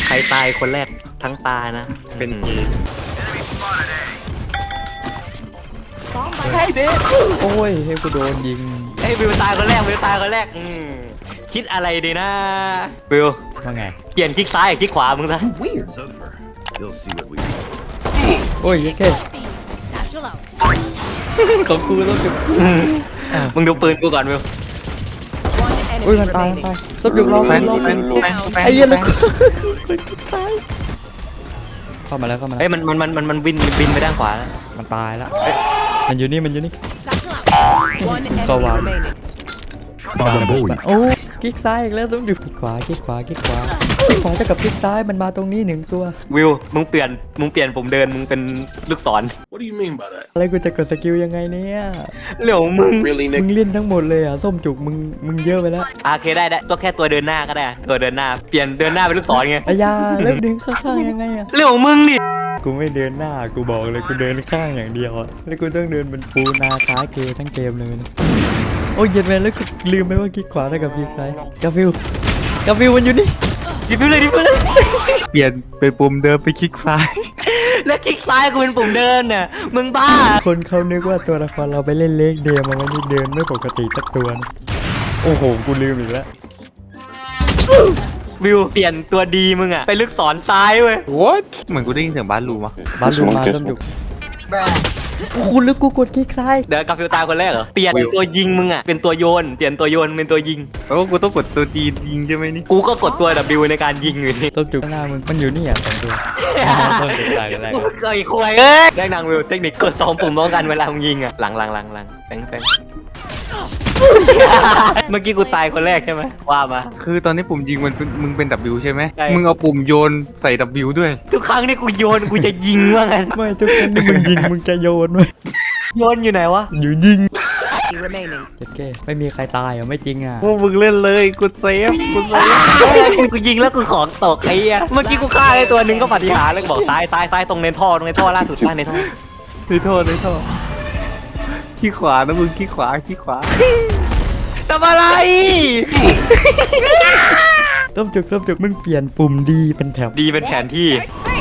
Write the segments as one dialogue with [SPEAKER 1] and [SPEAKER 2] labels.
[SPEAKER 1] ใครตายคนแรกทั้งตานะเป็น
[SPEAKER 2] โอ้ยให้กูโดนยิง
[SPEAKER 1] เอ้ยวิวตายคนแรกวิวตายคนแรกคิดอะไรดีนะวิว
[SPEAKER 2] ว่าไง
[SPEAKER 1] เปลี่ยนคลิกซ้ายกับคลิกขวามึงซะ
[SPEAKER 2] โอ้ยแค่ของกูต้องจุด
[SPEAKER 1] มึงดูปืนกูก่อนวิว
[SPEAKER 2] อุ้ยมันตายต้องจุดรอแฟนไอ้เหี้ยแล้วกูเข้ามาแล้ว
[SPEAKER 1] เอ้ยมันบินไปด้านขวาแล้ว
[SPEAKER 2] มันตายแล้วมันอยู่นี่สว่างโอ้คลิกซ้ายอีกแล้วต้องจุดคลิกขวาคลิกขวาเท่ากับคลิกซ้ายมันมาตรงนี้1ตัว
[SPEAKER 1] วิวมึงเปลี่ยนผมเดินมึงเป็นลูกศร
[SPEAKER 3] What do you mean by that
[SPEAKER 2] อะไรกูจะกดสกิลยังไงเนี่ย
[SPEAKER 1] เรื่องของมึง
[SPEAKER 2] มึงเล่นทั้งหมดเลยอ่ะส้มจุกมึงเยอะไปแล้ว
[SPEAKER 1] โอเคได้ตัวแค่ตัวเดินหน้าก็ได้ตัวเดินหน้าเปลี่ยนเดินหน้าเป็นลูกศรไง
[SPEAKER 2] อายาแล้วดึงข้างๆยังไงอ่ะ
[SPEAKER 1] เรื่องของมึงดิ
[SPEAKER 2] กูไม่เดินหน้ากูบอกเลยกูเดินข้างอย่างเดียวอ่ะแล้วกูต้องเดินเป็นปูนาคาเกทั้งเกมเลยโอ้ยเย็นแมนแล้วกูลืมไปว่าคลิกขวาเท่ากับคลิกซ้ายกาฟิวมันอยู่นี่
[SPEAKER 1] ดิบเลย
[SPEAKER 2] เปลี่ยนเป็นปุ่มเดินไปคลิกซ้าย
[SPEAKER 1] แล้วคลิกซ้ายกูเป็นปุ่มเดินเนี่ยมึงบ้า
[SPEAKER 2] คนเขานึกว่าตัวละครเราไปเล่นเล็กเดียมาวันนี้เดินไม่ปกติสักตัวนะโอ้โหกูลืมอีกแล้ว
[SPEAKER 1] วิวเปลี่ยนตัวดีมึงอะไปลึกศรซ้ายเว้ย
[SPEAKER 3] What
[SPEAKER 4] เหมือนกูได้ยินเสียงบ้านรูมา
[SPEAKER 2] มาต้มจุกคุณลึกกูกดคลิกซ้าย
[SPEAKER 1] เดี๋ยวกับฟิวตายคนแรกเหรอเปลี่ยนตัวยิงมึงอะเป็นตัวโยนเปลี่ยนตัวโยนเป็นตัวยิง
[SPEAKER 4] แปลว่ากูต้องกดตัวจียิงใช่ไหมนี่
[SPEAKER 1] กูก็กดตัว W ในการยิงอยู่นี่
[SPEAKER 2] ต้มจุกหน้ามึงมันอยู่นี่อ่ะ2ตัวต้มจุกตายกันแรก
[SPEAKER 1] กูไอ้ควายเอ้ยได้นางวิวเทคนิคกด2ปุ่มพร้อมกันเวลามึงยิงอะหลังแฟงเมื่อกี้กูตายคนแรกใช่ไหมว่ามา
[SPEAKER 4] คือตอนนี้ปุ่มยิงมึงเป็น W ใช่ไหม
[SPEAKER 1] ใช่
[SPEAKER 4] มึงเอาปุ่มโยนใส่ W ด้วย
[SPEAKER 1] ทุกครั้งที่กูโยนกูจะยิงว่างั้น
[SPEAKER 2] ไม่ทุกครั้งที่มึงยิงมึงจะโยนไหม
[SPEAKER 1] โยนอยู่ไหนวะ
[SPEAKER 2] อยู่ยิงเจ็ดเก้ไม่มีใครตายอ่ะไม่จริงอ่ะ
[SPEAKER 4] พวกมึงเล่นเลยกูเซฟ
[SPEAKER 1] กูยิงแล้วกูของตกไอ้เหี้ยเมื่อกี้กูฆ่าได้ตัวหนึ่งก็ปฏิหารแล้วบอกซ้ายตรงในท่อล่าสุดในท่อ
[SPEAKER 4] ในท่อขี้ขวานะมึงขี้ขวา
[SPEAKER 1] ทำอะไร
[SPEAKER 2] ต้มจุกมึงเปลี่ยนปุ่มดีเป็นแถบ
[SPEAKER 1] ดีเป็นแผนที่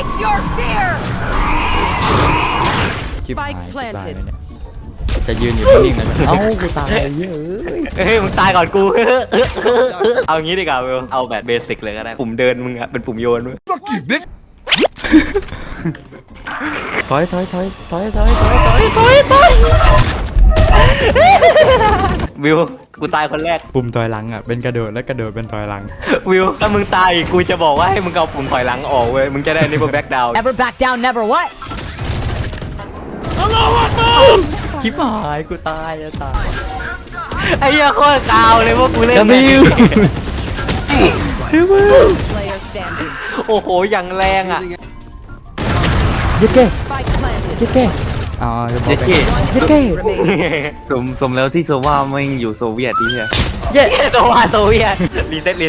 [SPEAKER 2] ชิบหายตายเนี่ยจะยืนอยู่นิ่งๆเลยเอ้ากูตายเยอะ
[SPEAKER 1] เฮ้ยมึงตายก่อนกูเอางี้ดีกว่าเอาแบบเบสิกเลยก็ได้ปุ่มเดินมึงอะเป็นปุ่มโยนมึง
[SPEAKER 2] ถอย
[SPEAKER 1] วิวกูตายคนแรก
[SPEAKER 2] ปุ่มถอยหลังอ่ะเป็นกระโดดและกระโดดเป็นถอยหลัง
[SPEAKER 1] วิวถ้ามึงตายกูจะบอกว่าให้มึงเอาปุ่มถอยหลังออกเว้ยมึงจะได้นี่พวกแบ็คดาวน์
[SPEAKER 5] Never back down never what
[SPEAKER 2] ชิบหายกูตายอะตาย
[SPEAKER 1] ไอ้เหี้ยโคตรกาวเลยพวกกูเล่นโอ้โหอย่างแรงอ่ะ
[SPEAKER 2] เย้อ๋อจะบอกเย้
[SPEAKER 4] สมแล้วที่โซว่าไม่อยู่โซเวียตที่เนี่ย
[SPEAKER 1] โซเวียตรีเซ็ต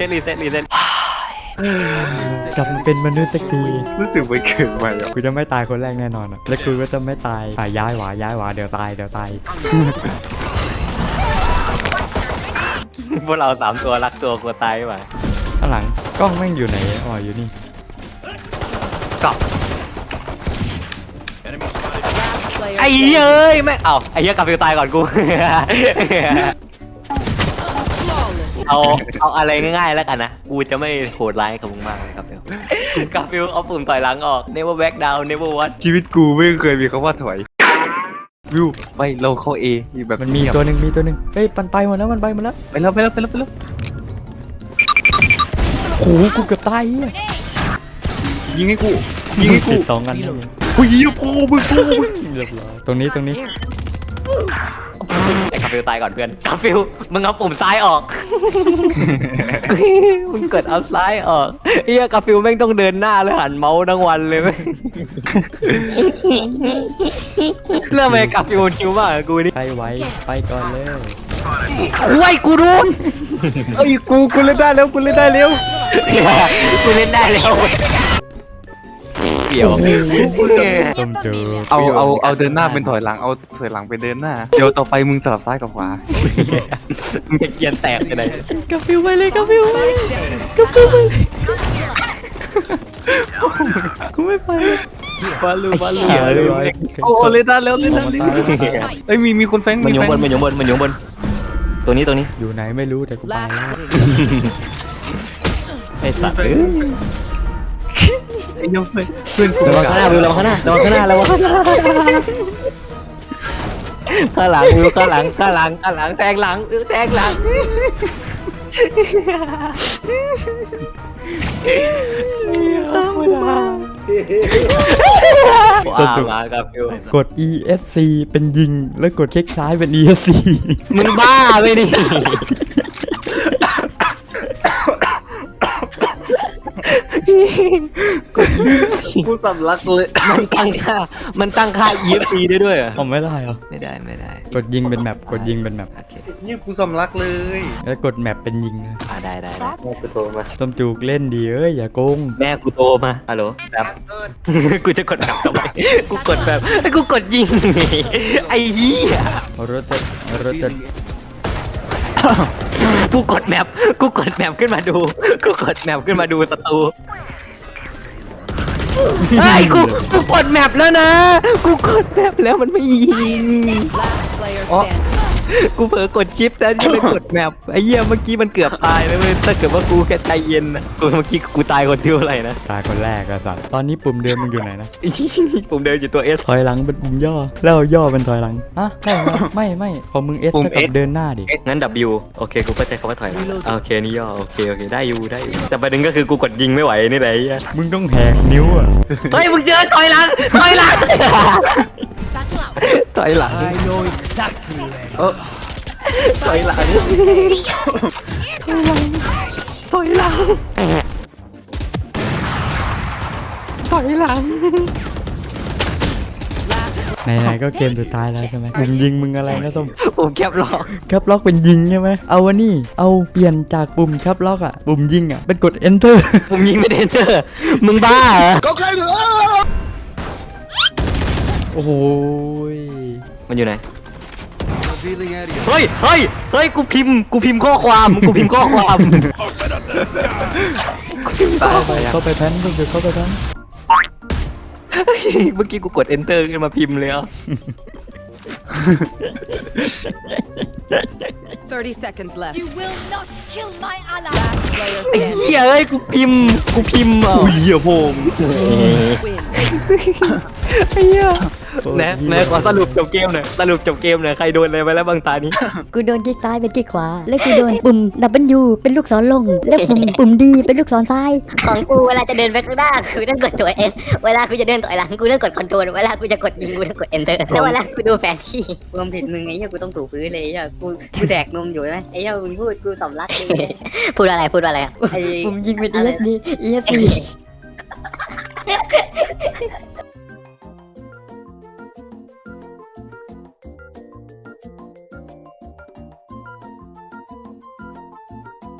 [SPEAKER 2] กลับมาเป็นมนุษย์สักที
[SPEAKER 4] รู้สึกไม่เกินไปอ่ะ
[SPEAKER 2] กูจะไม่ตายคนแรกแน่นอนอ่ะและกูก็จะไม่ตายย้ายหวาเดี๋ยวตาย
[SPEAKER 1] พวกเรา3ตัวรักตัวกลัวตายว่ะ
[SPEAKER 2] ข้างหลังกล้องแม่งอยู่ไหนอ๋ออยู่นี่
[SPEAKER 1] สับไอ้เย้ยแม่ไอ้เหี้ยกับฟิวตายก่อนกูเอาอะไรง่ายๆแล้วกันนะกูจะไม่โหดร้ายกับมึงมากเลยครับกับฟิวเอาปุ่มถอยหลังออก never back down never what
[SPEAKER 4] ชีวิตกูไม่เคยมีคำว่าถอยวิวไปเราเข้า A แบบ
[SPEAKER 2] มันมีตัวหนึ่งเฮ้ยมันไปหมดแล้ว
[SPEAKER 4] ไปแล้ว
[SPEAKER 2] โอ้โหกูเกือบตาย
[SPEAKER 4] ยิงให้กู
[SPEAKER 2] 2 อัน
[SPEAKER 4] กูยิงพ่อมึง
[SPEAKER 2] เรียบร้อยตรงนี้
[SPEAKER 1] ไอ้กาฟิลตายก่อนเพื่อนกาฟิลมึงเอาปุ่มซ้ายออกมึงกดเอาซ้ายออกเฮียกาฟิลแม่งต้องเดินหน้าแล้วหันเมาส์ทั้งวันเลยไหมเรื่องอะไรกาฟิลชิวมากกูนี่
[SPEAKER 2] ใครไว้ไปก่อนเลย
[SPEAKER 1] โอ้ยกูโดน
[SPEAKER 4] เอ้ยกูเล่นได้แล้ว
[SPEAKER 1] กูเล่นได้แล้วเดี๋ยว
[SPEAKER 4] เอาเดินหน้าเป็นถอยหลังเอาถอยหลังไปเดินหน้าเดี๋ยวต่อไปมึงสลับซ้ายกับขวา
[SPEAKER 1] มึงจะเกียนแตกไปไหน
[SPEAKER 2] กาฟิวไปเลยกูไม่ไป
[SPEAKER 4] ฟาลูฟาลู
[SPEAKER 1] เหี้ยเลย
[SPEAKER 4] โอ้เลยตาเร็วเลยตาเร็วเอ้ยมีคนแฟง
[SPEAKER 1] มันอยู่
[SPEAKER 4] แฟ
[SPEAKER 1] บนมันอยู่บนมันอยู่บนตัวนี้
[SPEAKER 2] อยู่ไหนไม่รู้แต่กูไปแล้ว
[SPEAKER 1] ไอ้สัตว์
[SPEAKER 4] ไอ้ยงเพื่อนกู
[SPEAKER 1] ระวังข้างหน้าวิวระวังข้างหน้าระวังข้างหน้าระวังข้างหน้าข้างหลังวิวข้างหลังแทงหลังแทงหลังว้าวมากับวิว
[SPEAKER 2] กด ESC เป็นยิงแล้วกดคลิกซ้ายเป็น ESC
[SPEAKER 1] มึงบ้าไปดิ
[SPEAKER 4] กูสำลักเลย
[SPEAKER 1] มันตั้งค่า EFC ได้ด้วยเหรอ
[SPEAKER 2] ผมไม่ได้เหรอ
[SPEAKER 1] ไม่ได้
[SPEAKER 2] กดยิงเป็นแมปกดยิงเป็นแมป
[SPEAKER 1] โอเค
[SPEAKER 4] นี่กูสำลักเลย
[SPEAKER 2] แล้วกดแมปเป็นยิงนะ
[SPEAKER 1] ได้
[SPEAKER 4] แม่กูโทรมา
[SPEAKER 2] ต้มจูกเล่นดีเอ้ยอย่าโกง
[SPEAKER 1] แม่กูโตมาฮัลโหลแบบกูจะกดแบบทำไมกูกดแบบกูกดยิงไอ้เหี้ย
[SPEAKER 2] รถจะ
[SPEAKER 1] กูกดแมปขึ้นมาดูศัตรูไอ้กูกดแมปแล้วนะกูกดแมปแล้วมันไม่ยิง กูเผลอกดชิปแต่ยังไม่กดแมปไอ้เหี้ยเมื่อกี้มันเกือบตายเลยเว้ยถ้าเกิดว่ากูแค่ใจเย็นนะกูเมื่อกี้กูตายคนที่เท่าไหร่นะ
[SPEAKER 2] ตายคนแรกอะสัตว์ตอนนี้ปุ่มเดิมมึงอยู่ไหนนะ
[SPEAKER 1] ผมเดินอยู่ตัว S
[SPEAKER 2] ถอยหลังเป็นปุ่มย่อแล้วย่อเป็นถอยหลังอะใช่ไหมไม่ของมึง S เท่ากับเดินหน้าดิ
[SPEAKER 1] งั้น W โอเคกูเข้าใจคำว่าถอยหลังโอเคนี่ย่อโอเคได้อยู่แต่ประเด็นก็คือกูกดยิงไม่ไหวนี่แหละไอ้เหี้ย
[SPEAKER 2] มึงต้องแหกนิ้วอะ
[SPEAKER 1] เฮ้ยมึงเจอถอยหลังถอยหลัง ถอยหลังถอยหลัง
[SPEAKER 2] ไหนๆก็เกมสุดท้ายแล้วใช่ไหมมึงยิงมึงอะไรนะส้ม
[SPEAKER 1] ผมแคปล็อก
[SPEAKER 2] แคปล็อกเป็นยิงใช่ไหมเอาวันนี้เอาเปลี่ยนจากปุ่มแคปล็อกอะปุ่มยิงอะเป็นกด enter
[SPEAKER 1] ผมยิงไม่ได้เจอมึงบ้าเหรอ
[SPEAKER 2] โอ้โหย
[SPEAKER 1] มันอยู่ไหนเฮ้ยกูพิมพ์ข้อความ
[SPEAKER 2] เข้าไปแพนก็จะเข้าไปแพน
[SPEAKER 1] เมื่อกี้กูกด enter ขึ้นมาพิมพ์เลยอ่ะ
[SPEAKER 3] 30 seconds left.
[SPEAKER 5] You will not kill my ally.
[SPEAKER 3] Last player
[SPEAKER 1] ไอ้
[SPEAKER 3] standing.
[SPEAKER 1] เหี้ยเอ้ยกูพิมพ์อ่ะ
[SPEAKER 4] อุ้ยเหี้ยโพง
[SPEAKER 3] Win.
[SPEAKER 1] ไอ้เหี้ยนะขอสรุปจบเกมหน่อยใครโดนอะไรไปแล้วบางตานี้
[SPEAKER 6] กูโดนคลิกซ้ายเป็นคลิกขวา แล้วกูโดนปุ่ม W เป็นลูกศรลง แล้วปุ่ม D เป็นลูกศรซ้าย
[SPEAKER 7] ของกูเวลาจะเดินไปข้างหน้ากูต้องกดตัว S เวลากูจะเดินต่อยหลังกูต้องกดคอนโทรลเวลากูจะกดยิงกูต้องกด Enter แล้วเวลากูดูแผนที่รวมผิดมึงไอ้เหี้ยกูต้องถูพื้นเลยไอ้เหี้ยกูแดกนมอยู่ไหมไอ้เหี้ยมึงพูดกูสำลักเลยพูดอะไรอะไอ้
[SPEAKER 6] ปุ่มยิงเป็น ESD ESC